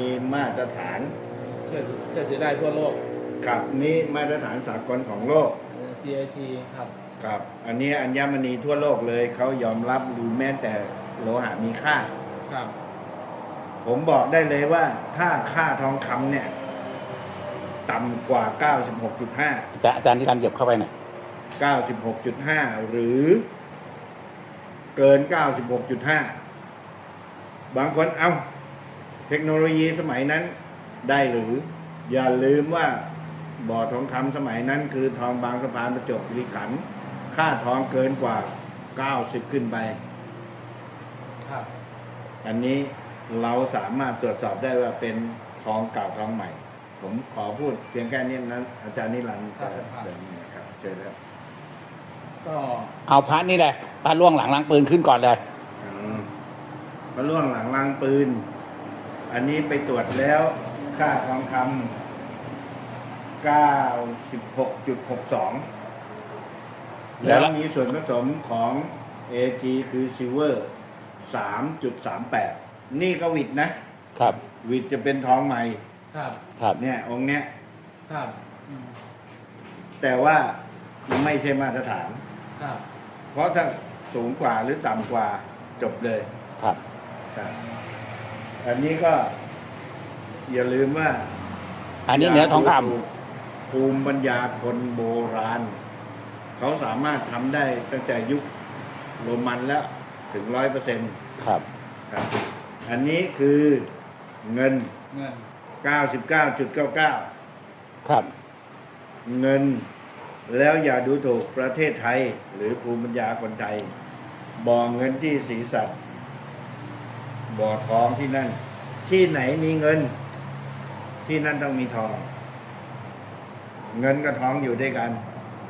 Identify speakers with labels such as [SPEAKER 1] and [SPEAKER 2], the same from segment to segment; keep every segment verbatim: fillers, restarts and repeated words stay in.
[SPEAKER 1] มีมาตรฐาน
[SPEAKER 2] เชื่อเชื่อถือได้ทั่วโลก
[SPEAKER 1] ครับนี่มาตรฐานสากลของโลก
[SPEAKER 2] จี ไอ ที ครับ
[SPEAKER 1] ครับอันนี้อัญมณีทั่วโลกเลยเขายอมรับหรือแม้แต่โลหะมีค่า
[SPEAKER 2] ครับ
[SPEAKER 1] ผมบอกได้เลยว่าถ้าค่าทองคำเนี่ยต่ำกว่า เก้าสิบหกจุดห้า
[SPEAKER 3] จะอาจารย์ที่การเหยียบเข้าไปหน่อย
[SPEAKER 1] เก้าสิบหกจุดห้า หรือเกิน เก้าสิบหกจุดห้า บางคนเอาเทคโนโลยีสมัยนั้นได้หรืออย่าลืมว่าบ่อทองคำสมัยนั้นคือทองบางสะพานประจวบคีรีขันธ์ค่าทองเกินกว่าเก้าสิบขึ้นไป
[SPEAKER 2] ครับ
[SPEAKER 1] อันนี้เราสามารถตรวจสอบได้ว่าเป็นทองเก่าทองใหม่ผมขอพูดเพียงแค่นี้นั้นอาจารย์นิรันดร์จะเสริมนะครับเชิญครับ
[SPEAKER 2] ก็
[SPEAKER 3] เอาพระนี่แหละพระล่วงหลังล้างปืนขึ้นก่อนเลย
[SPEAKER 1] พระล่วงหลังล้างปืนอันนี้ไปตรวจแล้วค่าทองคำ เก้าสิบหกจุดหกสอง แล้วมีส่วนผสมของ เอ จี คือซิลเวอร์ สามจุดสามแปด นี่ก็วิดนะครับวิดจะเป็นทองใหม่
[SPEAKER 2] ครับ
[SPEAKER 3] ครับ
[SPEAKER 1] เนี่ยองค์เนี้ย
[SPEAKER 2] ครับ
[SPEAKER 1] แต่ว่าไม่ใช่มาตรฐาน
[SPEAKER 2] ครับ
[SPEAKER 1] เพราะถ้าสูงกว่าหรือต่ำกว่าจบเลย
[SPEAKER 3] ครับ
[SPEAKER 1] ครับอันนี้ก็อย่าลืมว่า
[SPEAKER 3] อันนี้เนื้อทองคำ
[SPEAKER 1] ภูมิปัญญาคนโบราณเขาสามารถทำได้ตั้งแต่ยุคโรมันแล้วถึงร้อยเปอร์เซ็นต์
[SPEAKER 3] ครับ
[SPEAKER 1] ครับอันนี้คือเงิน
[SPEAKER 2] เงิน
[SPEAKER 1] เก้าสิบเก้าจุดเก้าเก้า
[SPEAKER 3] ครับ
[SPEAKER 1] เงินแล้วอย่าดูถูกประเทศไทยหรือภูมิปัญญาคนไทยบ่อเงินที่ศรีสัตว์บ่อทองที่นั่นที่ไหนมีเงินที่นั่นต้องมีทองเงินกับทองอยู่ด้วยกัน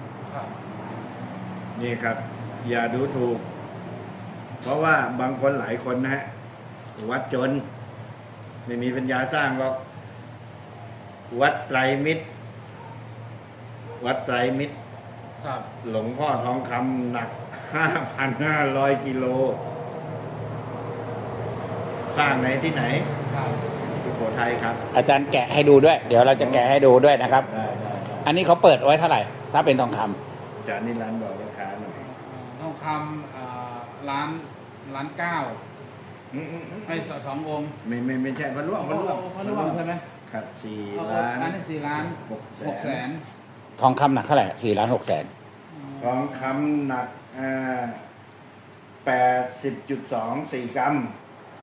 [SPEAKER 1] นี่ครับอย่าดูถูกเพราะว่าบางคนหลายคนนะฮะวัดจนไม่มีปัญญาสร้างหรอกวัดไตรมิตรวัดไตรมิตรหลวงพ่อทองคำหนัก ห้าพันห้าร้อย กิโลสร้างไหนที่ไหนสุโขทัยครับ
[SPEAKER 3] อาจารย์แกะให้ดูด้วยเดี๋ยวเราจะแกะให้ดูด้วยนะครับ
[SPEAKER 1] ได้ได้
[SPEAKER 3] อันนี้เขาเปิดไว้เท่าไหร่ถ้าเป็นทองค
[SPEAKER 1] ำอาจารย์นิรันดร์บอกราคาหน่อย
[SPEAKER 2] ทองคำล้านล้านเก้าไอ้สององค์
[SPEAKER 1] ไม่ไม่ไม่ใช่พระร่วงพระร่วง
[SPEAKER 2] พระร่วงใช่ไหม
[SPEAKER 1] ครับสี่ล้าน
[SPEAKER 2] ล้านสี่ล้านหกแสน
[SPEAKER 3] ทองคำหนักเท่าไหร่สี่ล้านหกแสน
[SPEAKER 1] ทองคำหนักแปดสิบจุดสองสี่กรัม